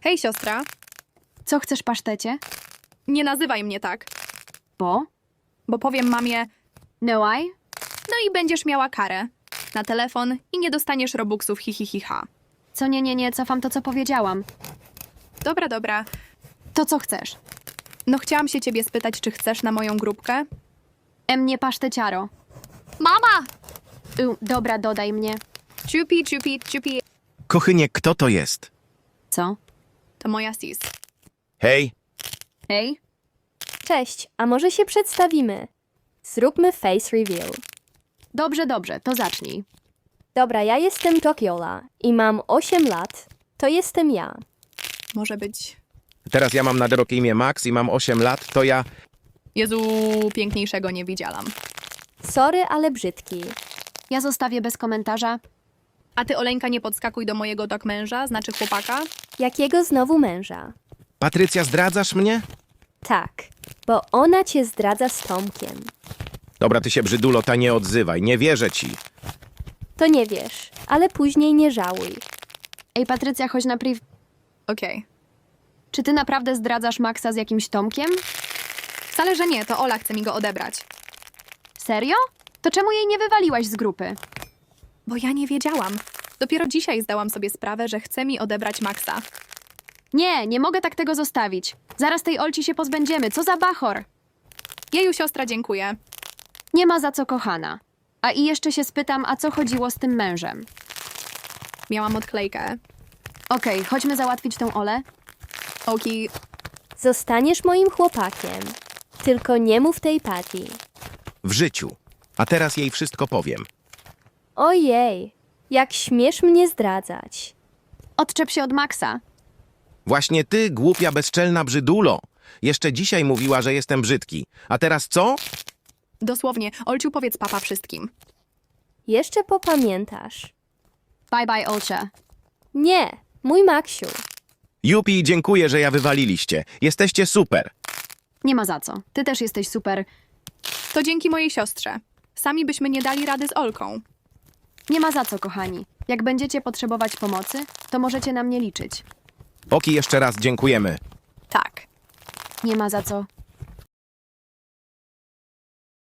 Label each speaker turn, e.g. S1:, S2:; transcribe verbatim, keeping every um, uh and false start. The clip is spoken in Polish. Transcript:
S1: Hej, siostra.
S2: Co chcesz, pasztecie?
S1: Nie nazywaj mnie tak,
S2: Bo?
S1: bo powiem mamie,
S2: No I?
S1: no i będziesz miała karę na telefon i nie dostaniesz robuxów hi hi hi ha.
S2: Co nie, nie, nie, cofam to, co powiedziałam.
S1: Dobra, dobra.
S2: To co chcesz?
S1: No chciałam się ciebie spytać, czy chcesz na moją grupkę?
S2: E mnie paszteciaro.
S1: Mama!
S2: Y, dobra, dodaj mnie.
S1: Ciupi, ciupi, ciupi.
S3: Kochynie, kto to jest?
S2: Co?
S1: To moja sis.
S3: Hej,
S2: Hej?
S4: Cześć, a może się przedstawimy? Zróbmy face reveal.
S2: Dobrze, dobrze, to zacznij.
S4: Dobra, ja jestem Tokiola i mam osiem lat. To jestem ja.
S1: Może być...
S3: teraz ja mam na drogie imię Max i mam osiem lat, to ja...
S1: Jezu, piękniejszego nie widziałam.
S4: Sorry, ale brzydki.
S2: Ja zostawię bez komentarza.
S1: A ty, Oleńka, nie podskakuj do mojego tak męża, znaczy chłopaka?
S4: Jakiego znowu męża?
S3: Patrycja, zdradzasz mnie?
S4: Tak, bo ona cię zdradza z Tomkiem.
S3: Dobra, ty się brzydulo, ta nie odzywaj, nie wierzę ci.
S4: To nie wiesz, ale później nie żałuj.
S2: Ej, Patrycja, chodź na priv...
S1: Okej.
S2: Czy ty naprawdę zdradzasz Maxa z jakimś Tomkiem?
S1: Wcale, że nie, to Ola chce mi go odebrać.
S2: Serio? To czemu jej nie wywaliłaś z grupy?
S1: Bo ja nie wiedziałam. Dopiero dzisiaj zdałam sobie sprawę, że chce mi odebrać Maxa.
S2: Nie, nie mogę tak tego zostawić. Zaraz tej Olci się pozbędziemy. Co za bachor?
S1: Jeju, siostra, dziękuję.
S2: Nie ma za co, kochana. A i jeszcze się spytam, a co chodziło z tym mężem?
S1: Miałam odklejkę.
S2: Okej, chodźmy załatwić tą Olę.
S1: Oki,
S4: Zostaniesz moim chłopakiem. Tylko nie mów tej Patty.
S3: W życiu. A teraz jej wszystko powiem.
S4: Ojej, jak śmiesz mnie zdradzać.
S2: Odczep się od Maxa.
S3: Właśnie ty, głupia, bezczelna brzydulo. Jeszcze dzisiaj mówiła, że jestem brzydki. A teraz co?
S1: dosłownie, Olciu, powiedz papa wszystkim.
S4: Jeszcze popamiętasz.
S2: Bye bye, Olcia.
S4: Nie, mój Maksiu.
S3: Jupi, dziękuję, że ja wywaliliście. Jesteście super.
S2: Nie ma za co. Ty też jesteś super.
S1: To dzięki mojej siostrze. Sami byśmy nie dali rady z Olką.
S2: Nie ma za co, kochani. Jak będziecie potrzebować pomocy, to możecie na mnie liczyć.
S3: Oki, jeszcze raz dziękujemy.
S1: Tak.
S2: Nie ma za co.